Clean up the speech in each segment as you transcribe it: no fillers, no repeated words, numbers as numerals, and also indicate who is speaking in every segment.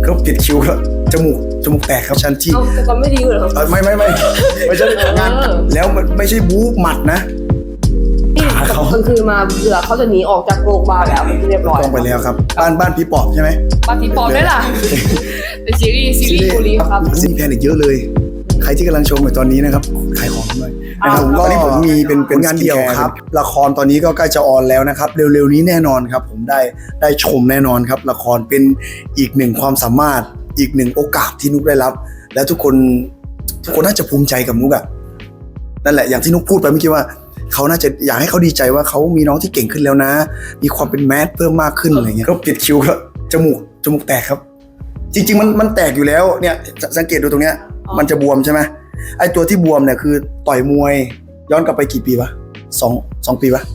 Speaker 1: ก็ปิดคิ้วครับจมูกแตกครับชันที่
Speaker 2: แต่ก็ไม่ดีเหรอ
Speaker 1: ไม่ใช่งานแล้วมันไม่ใช่บู๊หมัดนะขาเขา
Speaker 2: กลางคืนมาเผื่อเขาจะหนีออกจากโรงพยาบาลแล้วเป็นที่เรียบร้อย
Speaker 1: ต้องไปแล้วครับบ้านพี่ปอบใช่ไหม
Speaker 2: บ้านพี่ปอบได้ล่ะเป็นซีรีส์บุรีครับ
Speaker 1: มีแพนอีกเยอะเลยใครที่กำลังชมอยู่ตอนนี้นะครับขายของด้วยนะครับตอนนี้ผมมีเป็นงานเดียวครับละครตอนนี้ก็ใกล้จะออนแล้วนะครับเร็วๆนี้แน่นอนครับผมได้ชมแน่นอนครับละครเป็นอีกหนึ่งความสามารถอีกหนึ่งโอกาสที่นุกได้รับและทุกคนน่าจะภูมิใจกับนุกอะนั่นแหละอย่างที่นุกพูดไปเมื่อกี้ว่าเขาน่าจะอยากให้เขาดีใจว่าเขามีน้องที่เก่งขึ้นแล้วนะมีความเป็นแมสเพิ่มมากขึ้นอะไรเงี้ยก็ปิดคิ้วครับจมูกแตกครับจริงๆมันแตกอยู่แล้วเนี่ยสังเกตดูตรงเนี้ยมันจะบวมใช่ไหมไอตัวที่บวมเนี่ยคือต่อยมวยย้อนกลับไปกี่ปีวะสองปีวะ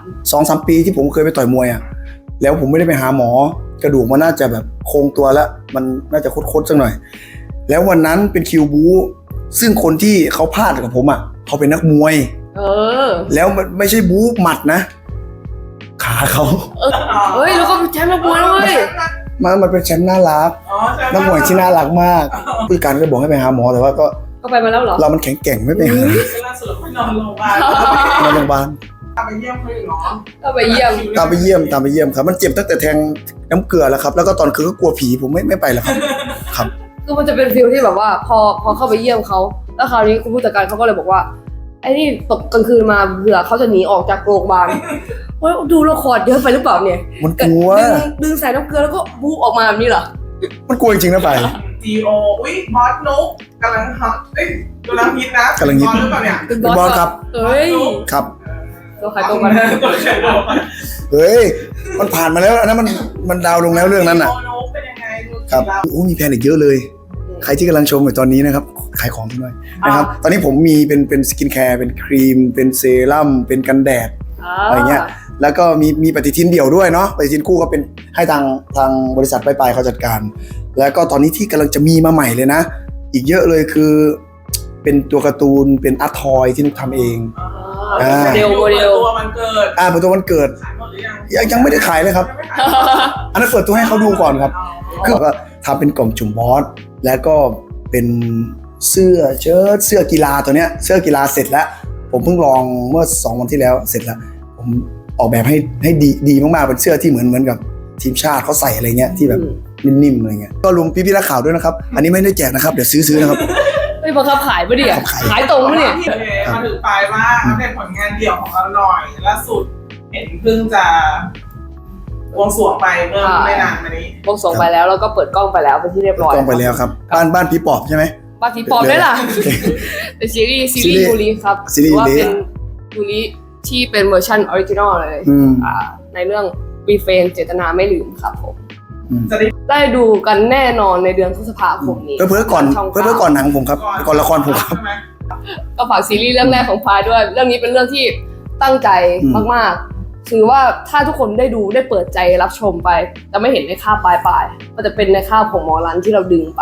Speaker 1: 2-3 ปีที่ผมเคยไปต่อยมวยอ่ะแล้วผมไม่ได้ไปหาหมอกระดูกมันน่าจะแบบโครงตัวแล้วมันน่าจะคดๆสักหน่อยแล้ววันนั้นเป็นคิวบูซึ่งคนที่เขาพลาดกับผมอ่ะเขาเป็นนักมวยแล้วมันไม่ใช่บูหมัดนะขาเขา
Speaker 2: เฮ้ยแล้วก็แชมป์นักมวยด้วย
Speaker 1: มันเป็นแชมป์น่ารักนักมวยที่น่ารักมากผู้การก็บอกให้ไปหาหมอแต่ว่าก็
Speaker 2: ไปมาแล้วเหรอ
Speaker 1: เรามันแข็งแกร่งไม่ไปหา
Speaker 3: ล่าสุดไปนอนโรงพยาบาล
Speaker 1: นอนโรงพยาบาล
Speaker 3: ตามไปเยี่ยมเขาเหรอ
Speaker 2: ตามไปเยี่ย
Speaker 1: มครับมันเจ็บตั้งแต่แทงน้ำเกลือแล้วครับแล้วก็ตอนคืนก็กลัวผีผมไม่ไปแล้วครับ
Speaker 2: คือมันจะเป็นฟีลที่แบบว่าพอเข้าไปเยี่ยมเขาแล้วคราวนี้คุณผู้จัดการเขาก็เลยบอกว่าไอ้นี่ตกกลางคืนมาเผื่อเขาจะหนีออกจากโรงพยาบาลว่าดูละครเยอะไปหรือเปล่าเนี่ย
Speaker 1: มันกลัว
Speaker 2: ดึงใส่น้ำเกลือแล้วก็บู๊ออกมาแบบนี้เหรอ
Speaker 1: มันกลัวจริงๆนะไป
Speaker 3: GO อุ้ยบอสนุ๊กกำลังฮอตกำลังฮิตนะ
Speaker 1: กำลังฮิต
Speaker 3: หรือเปล่าเนี่ย
Speaker 1: เป็นบอสครับ
Speaker 2: เฮ้ย
Speaker 1: ครับ
Speaker 2: ตัวขายตัวกัน
Speaker 1: เฮ้ยมันผ่านมาแล้วอันนั้นมันดาวลงแล้วเรื่องนั้นน่ะครับมีแพนอีกเยอะเลยใครที่กำลังชมอยู่ตอนนี้นะครับขายของด้วยนะครับตอนนี้ผมมีเป็นสกินแคร์เป็นครีมเป็นเซรั่มเป็นกันแดดอะไรเงี้ยแล้วก็มีปฏิทินเดี่ยวด้วยเนาะปฏิทินคู่ก็เป็นให้ทางบริษัทปลายเขาจัดการแล้วก็ตอนนี้ที่กำลังจะมีมาใหม่เลยนะอีกเยอะเลยคือเป็นตัวการ์ตูนเป็นอาร์ตทอยที่นุกทำเอง
Speaker 2: โมเดล
Speaker 3: ตัวมันเกิด
Speaker 1: เป็นตัวมันเกิดยังไม่ได้ขายเลยครับอันนั้นเปิดตัวให้เขาดูก่อนครับคือก็ทำเป็นกล่องจุ่มบอสแล้วก็เป็นเสื้อเชิ้ตเสื้อกีฬาตัวเนี้ยเสื้อกีฬาเสร็จแล้วผมเพิ่งลองเมื่อ2 วันที่แล้วเสร็จแล้วผมออกแบบให้ดีมากๆเป็นเสื้อที่เหมือนกับทีมชาติเขาใส่อะไรเงี้ยที่แบบนิ่มๆอะไรเงี้ยก็รวมพี่ๆนักข่าวด้วยนะครับอันนี้ไม่ได้แจกนะครับเดี๋ยวซื้อนะครับ
Speaker 2: ไม่บังคับขายปะเนี่ยขายตรงปะเนี่ย
Speaker 3: มาถึงปลายว่าอัปเดตผลงานเดี่ยวของเราหน่อยล่าสุดเห็นเพิ่งจะวงสวงไปเมื่อไม่นานมานี้
Speaker 2: วงสวงไปแล้วแล้วก็เปิดกล้องไปแล้วเป็นที่เรียบร้อย
Speaker 1: กล้องไปแล้วครับบ้านพี่ปอบใช่ไหม
Speaker 2: บ้านพี่ปอบได้ล่ะเป็นซีรีส์ยูริครับว่าเป็นยูริที่เป็นเวอร์ชันออริจินอลเลยในเรื่องรีเฟรนเจตนาไม่ลืมครับผมได้ดูกันแน่นอนในเดือนพฤษภาคมนี้
Speaker 1: เพื่อก่อนหนังผมครับก่อนละครผมครับ
Speaker 2: ก็ฝากซีรีส์เรื่องแรกของพายด้วยเรื่องนี้เป็นเรื่องที่ตั้งใจมากๆคือว่าถ้าทุกคนได้ดูได้เปิดใจรับชมไปจะไม่เห็นในคาบปลายมันจะเป็นในคาบของหมอรันที่เราดึงไป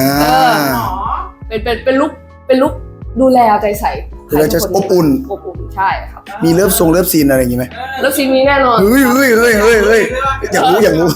Speaker 2: เป็นลุกดูแลเอาใจใส่
Speaker 1: เราจะอบอุ่น
Speaker 2: ใช่ครับ
Speaker 1: มีเลิฟซีนอะไรอย่างงี้ไหม
Speaker 2: เลิฟซีนมีแน่นอน
Speaker 1: เฮ้ยอยากรู้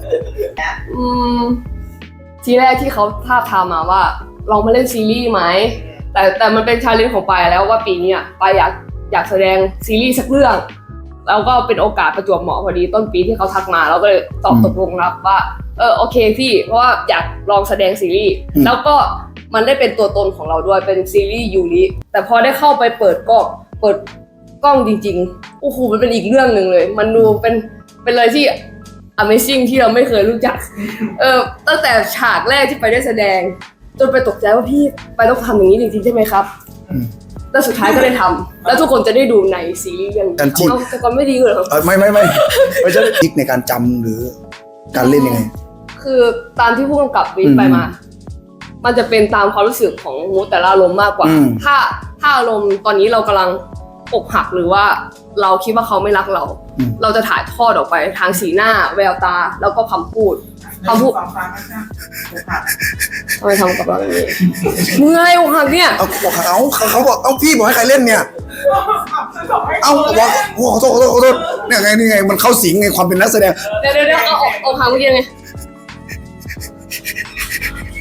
Speaker 2: ทีแรกที่เขาท้าทามมาว่าลองมาเล่นซีรีส์ไหมแต่มันเป็นชาเลนจ์ของปายแล้วว่าปีนี้ปายอยากแสดงซีรีส์สักเรื่องแล้วก็เป็นโอกาสประจวบเหมาะพอดีต้นปีที่เขาทักมาเราก็เลยตอบตกลงรับว่าโอเคพี่เพราะว่าอยากลองแสดงซีรีส์แล้วก็มันได้เป็นตัวตนของเราด้วยเป็นซีรีส์ยูริแต่พอได้เข้าไปเปิดกล้องจริงๆโอ้โหมันเป็นอีกเรื่องนึงเลยมันดูเป็นอะไรที่ Amazing ที่เราไม่เคยรู้จักตั้งแต่ฉากแรกที่ไปได้แสดงจนไปตกใจว่าพี่ไปต้องทำอย่างนี้จริงๆใช่ไหมครับแล้วสุดท้ายก็ได้ทำแล้วทุกคนจะได้ดูในซีรีส์เรื่องนี้แต่ก็ไม่ดีเลย
Speaker 1: ไม่ใช่ทิกในการจำหรือการเล่นยังไง
Speaker 2: คือตามที่ผู้กำกับวิไปมามันจะเป็นตามความรู้สึกของมูแต่ละอารมณ์มากกว่าถ้าอารมณ์ตอนนี้เรากำลังอกหักหรือว่าเราคิดว่าเขาไม่รักเราจะถ่ายทอดออกไปทางสีหน้าแววตาแล้วก็คำพูดทำไมทำกับเราอย่างนี้เมื่อยอกหักเนี่ย
Speaker 1: เขาบอกพี่บอกให้ใครเล่นเนี่ยบอกขอโทษเนี่ยไงมันเข้าสิงไงความเป็นนักแสดง
Speaker 2: เดี๋ยวเอาอกหักเมื่อกี้ไง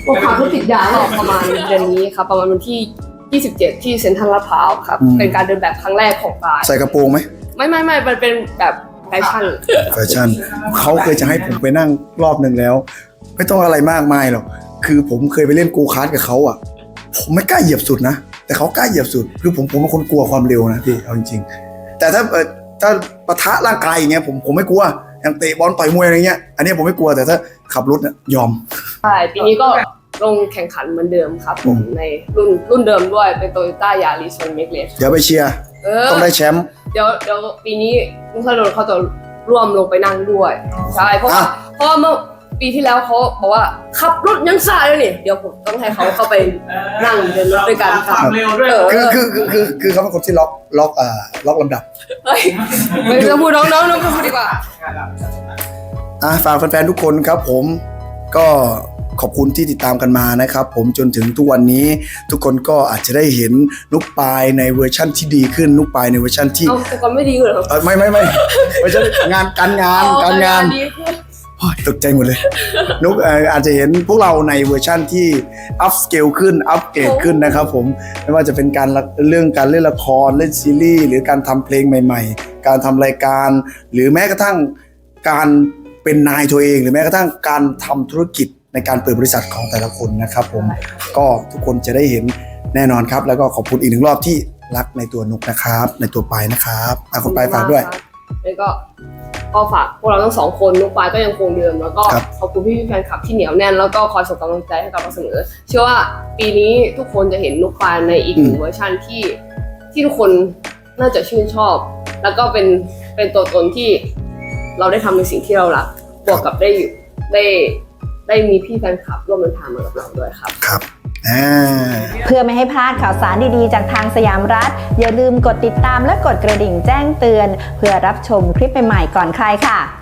Speaker 2: อกหักธุรกิจยาก็ประมาณเดือนนี้ครับประมาณวันที่ 27 ที่เซ็นทรัลลาดพร้าวครับเป็นการเดินแบบครั้งแรกของปาย
Speaker 1: ใส่กระโปรงไหม
Speaker 2: ไม่มันเป็นแบบแฟชั่น
Speaker 1: แฟชั่นเขาเคยจะให้ผมไปนั่งรอบหนึ่งแล้ว ไม่ต้องอะไรมากมายหรอกคือผมเคยไปเล่นโกคาร์ทกับเขาอ่ะผมไม่กล้าเหยียบสุดนะแต่เขากล้าเหยียบสุดคือผมเป็นคนกลัวความเร็วนะพี่เอาจริงๆแต่ถ้าปะทะร่างกายอย่างเงี้ยผมไม่กลัวอย่างเตะบอลต่อยมวยอะไรเงี้ยอันนี้ผมไม่กลัวแต่ถ้าขับรถเนี่ยยอม
Speaker 2: ใช่ปีนี้ก็ลงแข่งขันเหมือนเดิมครับผมในรุ่นเดิมด้วยเป็นโตโยต้ายาริสเมกเลส
Speaker 1: เดี๋ยวไปเชียร์ต้องได้แชมป์
Speaker 2: เดี๋ยวปีนี้ลุงธนดลเขาจะร่วมลงไปนั่งด้วยใช่เพราะว่าเมื่อปีที่แล้วเขาบอกว่าขับรถยังซ่าเลยนี่เดี๋ยวผมต้องให้เขาเข้าไปนั่งเดินรถด้วยกันครับ
Speaker 3: เร็วด้วย
Speaker 1: คือเขาเป็นคนที่ล็อกลำดับ
Speaker 2: เฮ้ยไม่ต้องพูดน้องพูดดีกว่า
Speaker 1: ฝากแฟนๆทุกคนครับผมก็ขอบคุณที่ติดตามกันมานะครับผมจนถึงทุกวันนี้ทุกคนก็อาจจะได้เห็นนุกปายในเวอร์ชั่นที่ดีขึ้นนุกปายในเวอร์ชั่นที่
Speaker 2: เอาแต่ก่อนไม่ดีเหรอ
Speaker 1: ไม่ไม่ใช่การงาน
Speaker 2: ดีขึ้น
Speaker 1: โอ้ยตกใจหมดเลยนุกอาจจะเห็นพวกเราในเวอร์ชั่นที่อัพสเกลขึ้นอัพเกรดขึ้นนะครับผมไม่ว่าจะเป็นการเรื่องการเล่นละครเล่นซีรีส์หรือการทำเพลงใหม่ๆการทำรายการหรือแม้กระทั่งการเป็นนายตัวเองหรือแม้กระทั่งการทำธุรกิจในการเปิดบริษัทของแต่ละคนนะครับผมก็ทุกคนจะได้เห็นแน่นอนครับแล้วก็ขอบคุณอีกหนึ่งรอบที่รักในตัวนุกนะครับในตัวปายนะครับคุณปายฝากด้วย
Speaker 2: แล้วก็ฝากพวกเราทั้งสองคนนุกปายก็ยังคงเดิมแล้วก็
Speaker 1: ครับ
Speaker 2: ขอบคุณพี่แฟนคลับที่เหนียวแน่นแล้วก็คอยส่งกำลังใจให้กับเราเสมอเชื่อว่าปีนี้ทุกคนจะเห็นนุกปายในอีกหนึ่งเวอร์ชันที่ทุกคนน่าจะชื่นชอบ แล้วก็เป็นตัวตนที่เราได้ทำในสิ่งที่เรารักบวกกับได้มีพี่แฟนคลับร่วมเดินทางมากับเราด้วยครับ
Speaker 1: ครับ
Speaker 4: เพื่อไม่ให้พลาดข่าวสารดีๆจากทางสยามรัฐอย่าลืมกดติดตามและกดกระดิ่งแจ้งเตือนเพื่อรับชมคลิปใหม่ๆก่อนใครค่ะ